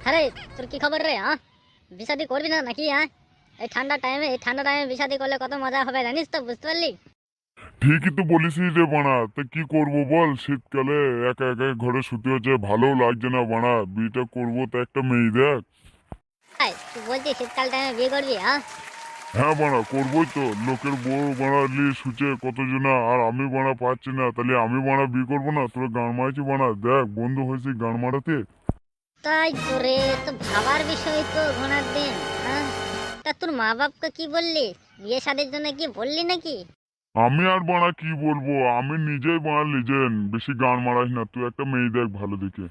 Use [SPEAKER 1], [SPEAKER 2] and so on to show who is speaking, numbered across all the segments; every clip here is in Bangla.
[SPEAKER 1] আরে তোর কি খবর রে? বিষাদি করবি না নাকি? এই ঠান্ডা টাইমে বিষাদি করলে কত মজা হবে জানিস তো, বুঝতে পারলি?
[SPEAKER 2] ঠিকই তো বলিস রে বানা, তা কি করবো বল? শীতকালে একা একা ঘরে শুতে হচ্ছে, ভালো লাগছে না বানা। বিয়েটা করবো তো একটা মেয়ে দেখ।
[SPEAKER 1] তুই বলছিস শীতকাল টাইমে বিয়ে করবি?
[SPEAKER 2] হ্যাঁ বানা, করবোই তো। লোকের বউ বানালি শুচে কতজনা, আর আমি বানা পাচ্ছি না, তাহলে আমি বানা বিয়ে করবো না? তোরা গান মারছি বানা, দেখ বন্ধু হয়েছে গান মারাতে।
[SPEAKER 1] তাই তো রে, তো ভাবার বিষয় তো ঘোড়ার দিন। তা তোর মা বাপকে কি বললি? বিয়ে শাদির জন্য কি বললি নাকি?
[SPEAKER 2] আমি আর বানা কি বলবো, আমি নিজেই বানা লিজেন্ড। বেশি গান মারাস না, তুই একটা মেয়ে দেখ ভালো দেখে।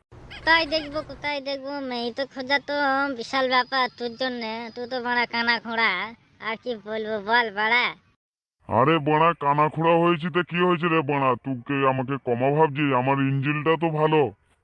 [SPEAKER 1] কোথায় দেখবো, মেয়ে তো খোঁজা তো বিশাল ব্যাপার তোর জন্য। তুই তো বড়া কানা খোঁড়া। আর কি বলবো বল বাড়া।
[SPEAKER 2] আরে বানা, কানা খোড়া হয়েছি তো কি হয়েছে রে বানা? তুই আমাকে কমা ভাবছিস? আমার ইঞ্জিলটা তো ভালো।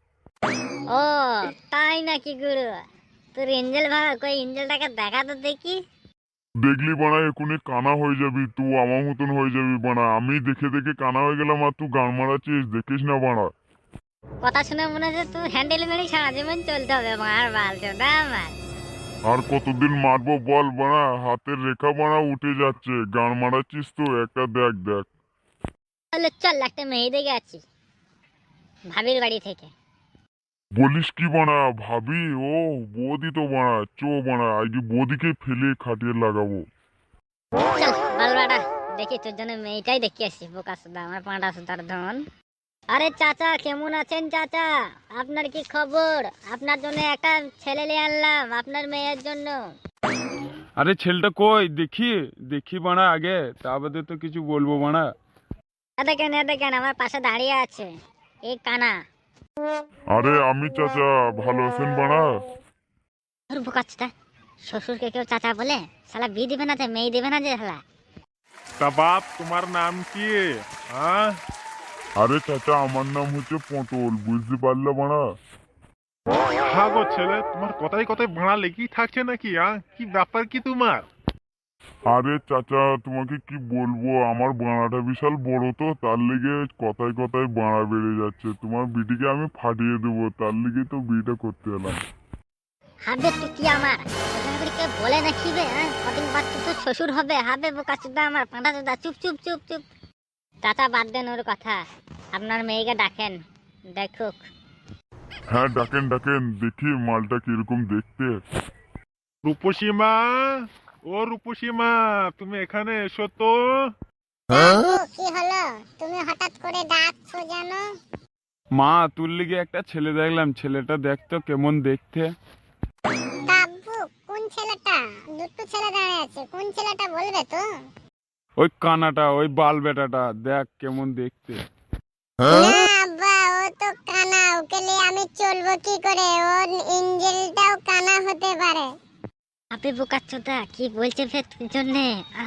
[SPEAKER 1] ও তাই নাকি গুরু? তোর এঞ্জেল ভাড়া কই, এঞ্জেলটাকে দেখা তো দেখি।
[SPEAKER 2] দেখলি বানা, এখুনি কানা হয়ে যাবি, তুই আমার মতন হয়ে যাবি বানা। আমি দেখে দেখে কানা হয়ে গেলাম আর তুই গান মারাচ্ছিস, দেখিস না বানা।
[SPEAKER 1] কথা শুনে মনে হচ্ছে তুই হ্যান্ডেল মেরে সারা জীবন চলতে হবে মার বাল চোদা আমার।
[SPEAKER 2] আর কতদিন মারবো বল বানা? হাতের রেখা বানা উঠে যাচ্ছে, গান মারাচ্ছিস তো একটা দেখ দেখ।
[SPEAKER 1] তাহলে চল একটা মেয়ে দেখে আছি ভাবির বাড়ি থেকে।
[SPEAKER 2] বলিস কি বানা? ভাবি? ও বৌদি তো বানা, চো বানা, আজকে বৌদিকে ফেলে খাটিয়ে লাগাবো।
[SPEAKER 1] চল বালবাটা, দেখি তোর জন্য মেয়েটাই দেখে আসি। বোকা সুদা আমার পাঁটা সুদার ধন। আরে চাচা, কেমন আছেন চাচা? আপনার কি খবর? আপনার জন্য একটা ছেলে নিয়ে আনলাম, আপনার মেয়ের জন্য।
[SPEAKER 3] আরে ছেলেটা কই দেখি? দেখি বানা আগে, তা বাদে তো কিছু বলবো বানা।
[SPEAKER 1] এ দেখেন আমার পাশে দাঁড়িয়ে আছে এই কানা।
[SPEAKER 2] আরে আমি চাচা, ভালো আছেন বানা?
[SPEAKER 1] তোর বোকা চোদা, শ্বশুরকে কেউ চাচা বলে? শালা বিয়ে দিবে না যে, মেয়ে দিবে না যে শালা।
[SPEAKER 3] তা বাপ, তোমার নাম কি? হ্যাঁ?
[SPEAKER 2] আরে চাচা, আমার নাম হচ্ছে পটল, বুঝতে পারলে বানা?
[SPEAKER 3] হ্যাঁ গো ছেলে, তোমার কথায় কথায় ভাড়া লেগেই থাকছে নাকি? কি ব্যাপার কি তোমার?
[SPEAKER 2] আরে চাচা, তোমাকে কি বলবো, আমার বানাটা বিশাল বড় তো, তার লেগে কথায় কথায় বাড়া বেড়ে যাচ্ছে। তোমার বিটিকে আমি ফাটিয়ে দেবো, তার লেগে তো বিয়েটা করতে এলাম।
[SPEAKER 1] হাবে তুই কি আমার কে বলে নাকি বে? কদিন বাদ তো তোর শ্বশুর হবে। হাবে বোকা চোদা আমার পাঁটা চোদা, চুপ চুপ চুপ চুপ। চাচা বাদ দেন ওর কথা, আপনার মেয়েকে ডাকেন, দেখুক।
[SPEAKER 2] হ্যাঁ ডাকেন ডাকেন, দেখি মালটা কিরকম দেখতে।
[SPEAKER 3] রূপসী মা, ও রূপসী মা, তুমি এখানে এসো তো।
[SPEAKER 1] কি হলো? তুমি হঠাৎ করে ডাকছো যেন?
[SPEAKER 3] মা, তোর লিগে একটা ছেলে দেখলাম, ছেলেটা দেখতো কেমন দেখতে।
[SPEAKER 1] কাব্বু, কোন ছেলেটা? দুটো ছেলে দাঁড়িয়ে আছে, কোন ছেলেটা বলবে তো?
[SPEAKER 3] ওই কানাটা, ওই বাল বেটাটা, দেখ কেমন দেখতে।
[SPEAKER 1] না আব্বা, ও তো কানা, ওকে নিয়ে আমি চলবো কি করে? ওর ইঞ্জেলটাও কানা হতে পারে। আপনি বোকাচ্ছোদা, কি বলছে ফের তোর জন্যে?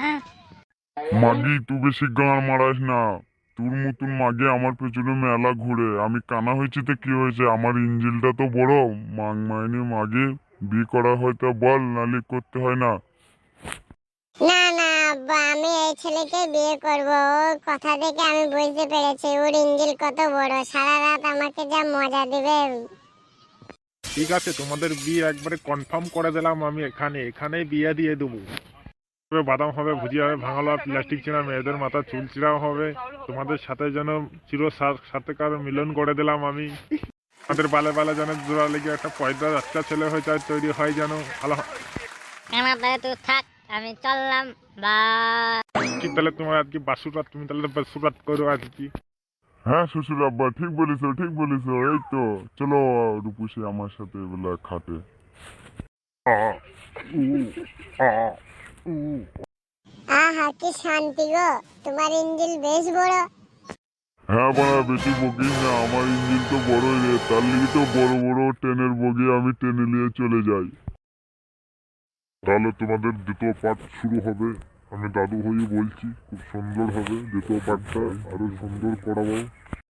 [SPEAKER 2] মাগি, তুই বেশি গান মারাস না। তোর মতন মাগে আমার পেছনে মেলা ঘুরে। আমি কানা হয়েছি তো কি হয়েছে, আমার ইঞ্জিলটা তো বড়। মাং মাইনে মাগে বিয়ে করা হয়তো বল, নালে করতে হয় না।
[SPEAKER 1] না না আব্বা, আমি এই ছেলেকে বিয়ে করব। ওর কথা দেখে আমি বুঝতে পেরেছি ওর ইঞ্জিল কত বড়। সারা রাত আমাকে যা মজা দিবে।
[SPEAKER 3] ঠিক আছে, তোমাদের বিয়ে একবারে কনফার্ম করে দিলাম। আমি এখানেই বিয়ে দিয়ে দেবো। বাদাম হবে, ভুজিয়া হবে, ভাঙালো প্লাস্টিক ছিঁড়া, মেয়েদের মাথা চুল ছিঁড়াও হবে। তোমাদের সাথে যেন চির সাথেকার মিলন করে দিলাম আমি। আমাদের বালে বালে যেন জোড়া লেগে একটা পয়দা বাচ্চা ছেলে হয়ে যায়, তৈরি হয় যেন। আলো
[SPEAKER 1] আমার তাহলে তুই থাক, আমি চললাম। বা
[SPEAKER 3] কি তাহলে তোমার আর কি বাসুরাত, তুমি তাহলে বাসুরাত করো আর কি।
[SPEAKER 2] হ্যাঁ শ্বশুর আব্বা, ঠিক বলিস ঠিক বলিস। এই তো চলো রূপসী আমার সাথে এবেলা খাটে। আ, উ, আ, উ।
[SPEAKER 1] আহা কি শান্তি গো, তোমার ইঞ্জিল বেশ বড়।
[SPEAKER 2] হ্যাঁ বাড়া, বেশি বকিস না, আমার ইঞ্জিন তো বড়ই রে, তার লিগে তো বড় বড় ট্রেনের বগি আমি টেনে নিয়ে চলে যাই। তাহলে তোমাদের দ্বিতীয় পার্ট শুরু হবে। আমি দাদু হয়ে বলছি, খুব সুন্দর হবে দ্বিতীয় পার্টটা, আরো সুন্দর করাবো।